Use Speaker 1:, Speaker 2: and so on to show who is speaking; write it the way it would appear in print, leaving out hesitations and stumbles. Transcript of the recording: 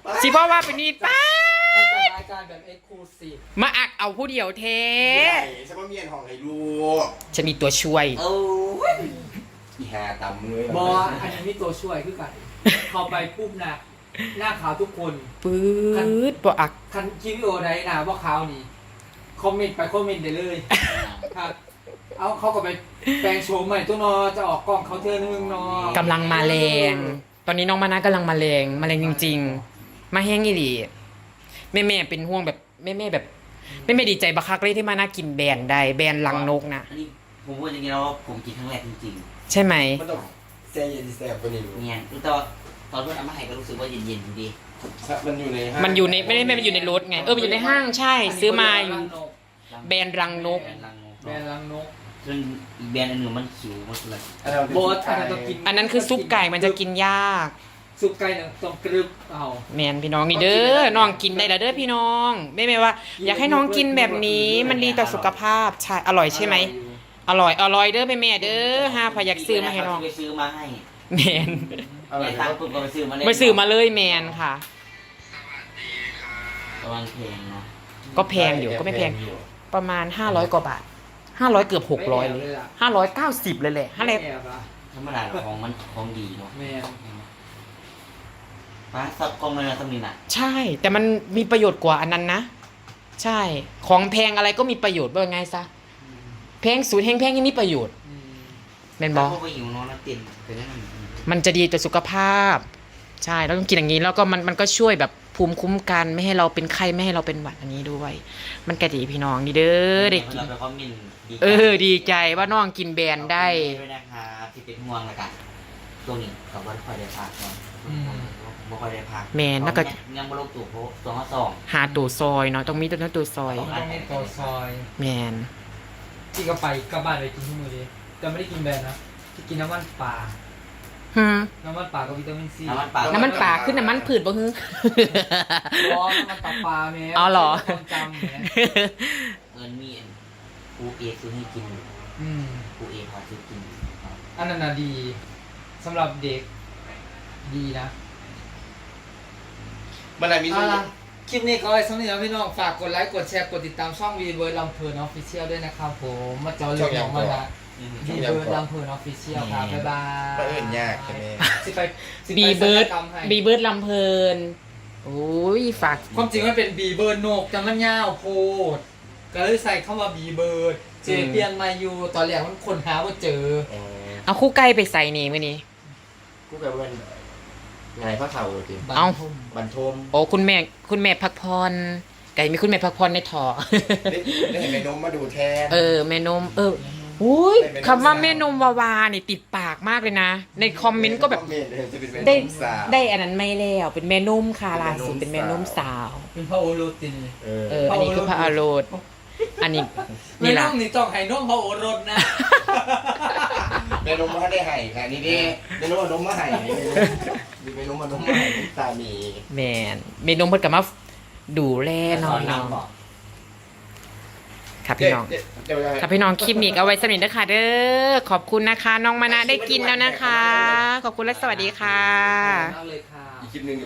Speaker 1: สิเพราะว่าเป็นนี่ป้า
Speaker 2: มันจะรายการแบบเอ็กซ์คลูซีฟ
Speaker 1: มาอักเอาผู้เดียวเท
Speaker 3: ฉันว่าเมียนห้องให้ลูก
Speaker 1: จะมีตัวช่วย
Speaker 3: โอ้ยอีหาตำเลย
Speaker 2: บออันนี้มีตัวช่วยคือกันเข้าไปปุ๊บนะหน้าขาวทุกคน
Speaker 1: ปื๊ดบ่อัก
Speaker 2: คันคลิปวิดีโอใดนะว่าขาวนี่คอมเมนต์ไปคอมเมนต์ได้เลยครับเอาเขาก็ไปแปลงโฉมใหม่ตัวนอจะออกกล้องเขาเทื่อนึงนอก
Speaker 1: ำลังมาแรงตอนนี้น้องมานะกำลังมาแรงจริงๆ มาแห้งอีหลีแม่เป็นห่วงแบบแม่แบบแม่ดีใจบักคักเลยที่มานะกินแบรนด์ใดแบรนด์ลังนกนะ
Speaker 4: อันนี้ผมพูดจริงๆแล้วผมกินครั้งแรกจริง
Speaker 1: ใช่ไหม
Speaker 3: มันต้องแซ่เย็นแซ่บกว่านี้
Speaker 4: ๆเนี่ยตอนเพื่อนเอามาให้ก็รู้สึกว่าเย็นๆอยู่ดี
Speaker 3: มันอยู่ในห้าง
Speaker 1: มันอยู่ในไม่ได้มันอยู่ในรถไงมันอยู่ในห้างใช่ ซื้อมาอยู่แบรนด์รังนก
Speaker 4: แบรนด์รังนก
Speaker 2: แบรนด์รังนก
Speaker 4: ซึ่งอีกแบรนด์อันหนึ่งมันขิวมันเลย
Speaker 2: โบสอันนั้นต้องกิน
Speaker 1: อันนั้นคือซุปไก่มันจะกินยาก
Speaker 2: ซุปไก่เนี่ยต้องกรึบเอา
Speaker 1: แมนพี่น้องนี่เด้อน้องกินได้แล้วเด้อพี่น้องไม่ว่า อยากให้น้องกินแบบนี้มันดีต่อสุขภาพใช่อร่อยใช่ไหมอร่อยเด้อแม่เด้อห้าพยักซื้อมาให้น้อง
Speaker 4: ไปซื้อมาให้
Speaker 1: แมน
Speaker 4: ในตังค์ปุ๊บก็ไปซื้อมาเลย
Speaker 1: ไปซื้อมาเลยแมนค่ะ
Speaker 4: ประมาณแพงเนาะ
Speaker 1: ก็แพงอยู่ก็ไม่แพงประมาณ500กว่าบาท500เกือบ600เลย590เลยแหละ
Speaker 2: ไม่แอบอะ
Speaker 4: ธรรมดาของมันของดีเนาะ
Speaker 2: แม่
Speaker 4: ป้าสับกล้องเลยนะตำนี้น่ะ
Speaker 1: ใช่ แต่มันมีประโยชน์กว่าอันนั้นนะใช่ของแพงอะไรก็มีประโยชน์ว่าไงซะแพงสูตรแพงยังมีประโยชน์แม่นบอ
Speaker 4: พวกไปหิวนอนแล้วเตียนไปนั่น
Speaker 1: มันจะดีต่อสุขภาพใช่แล้วต้องกินอย่างนี้แล้วก็มันก็ช่วยแบบภูมิคุ้มกันไม่ให้เราเป็นไข้ไม่ให้เราเป็นหวัดอันนี้ด้วย มันก็ดีพี่น้องนี่เด้อได้กิน
Speaker 4: เราไปคอมเมนต์
Speaker 1: ดีใจว่าน้องกินแบรนด์ได้
Speaker 4: ด้วยนะครับที่เป็นห่วงแล้วกันช่วงนี้กับวันคอยได้พักเนาะบ่ค่อยได้พัก
Speaker 1: แม่นแล้วก็
Speaker 4: ยังบ่ลงตู่โพตัวมาสอง
Speaker 1: หาตัวซอยเนาะต้องมีตัวซอย
Speaker 2: ต้องมีตัวซอย
Speaker 1: แมน
Speaker 2: ที่ก็ไปกลับบ้านไปกินที่มือดีแต่ไม่ได้กินแบรนด์นะที่กินน้ำมันป่า
Speaker 1: ฮึ
Speaker 2: น้ำมันป่ากับวิตามินซี
Speaker 4: น้ำมันปลา
Speaker 1: น้ำมันป่าขึ้นน้ำมันผืดบ่ฮึ
Speaker 2: ร้อนน้ำมันปลาแม่
Speaker 1: อ๋อเหรอ
Speaker 2: ความจำแม่
Speaker 4: เงินมีปูเอซื้อให้กิน ปูเอพาซื้อกิน
Speaker 2: อันนั้นน่ะดีสำหรับเด็กดีนะ
Speaker 3: มันอะไรมีส่วน
Speaker 2: คลิปนี้ก็ไว้สำหรับพี่น้องฝากกดไลค์กดแชร์กดติดตามช่องวีเวิร์ดลำเพลินออฟฟิเชียลด้วยนะครับผมมาเจอเรื่องของมันนะวีเวิร์ดลำเพลินออฟฟิเชียลครับบ๊ายบาย
Speaker 3: ก็เอื่นยากใช่ไหม
Speaker 2: สิไปสิไป
Speaker 1: บีเบิร์ด
Speaker 2: ศัลยกมให้
Speaker 1: บีเบิร์ดลำเพลินโอ้ยฝาก
Speaker 2: ความจริงมันเป็นบีเบิร์ดโหนกแต่มันยาวโพดก็เลยใส่เข้ามาบีเบิร์ดเจเปลี่ยนมาอยู่ตอนแรกมันคนหาว่าเจอ
Speaker 1: เอาคู่ไก่ไปใส่นี่มื้อนี้
Speaker 3: กูกับเพื่อนไงพระเข่าจริง
Speaker 1: เอ้า
Speaker 3: บันทม
Speaker 1: โอ้คุณแม่พักพรไก่มีคุณแม่พักพรในถอ
Speaker 3: ได้เห็นแม่นมมาดูแทน
Speaker 1: แม่นมอุ้ยคำว่าแม่นมวาวานี่ติดปากมากเลยนะ ในคอมเมนต์ก็แบบ
Speaker 3: จะเป็นแม่น
Speaker 1: ได้
Speaker 3: มสาว
Speaker 1: ได้อันนั้นไม่แล้วเป็นแม่นมค่ะล่าสุดเป็นแม่นมสาว
Speaker 2: เป็นพระโอรสตินเลย
Speaker 1: อันนี้คือพระอารโรดอันนี้
Speaker 2: ไม่
Speaker 1: นี่
Speaker 2: ต้
Speaker 1: ล่ะ
Speaker 2: องนี่ต้องให้น้องพระโอรสนะ
Speaker 3: แม่นมมาได้ให้ค่ะนี่ดิแม่นมมานมมาให้มีแม่นมมานมมาให้ตามี
Speaker 1: แม่นแม่นมเพิ่นก็มาดูแลน้องครับพี่น้องครับพี่น้องคลิปนี้ก็เอาไว้สำหรับเด้อค่ะเด้อขอบคุณนะคะ น้องมานะได้กินแล้วนะคะ ขอบคุณและสวัสดีค่ะ
Speaker 2: เอาเลยค่ะ
Speaker 3: อีกคลิปหนึ่ง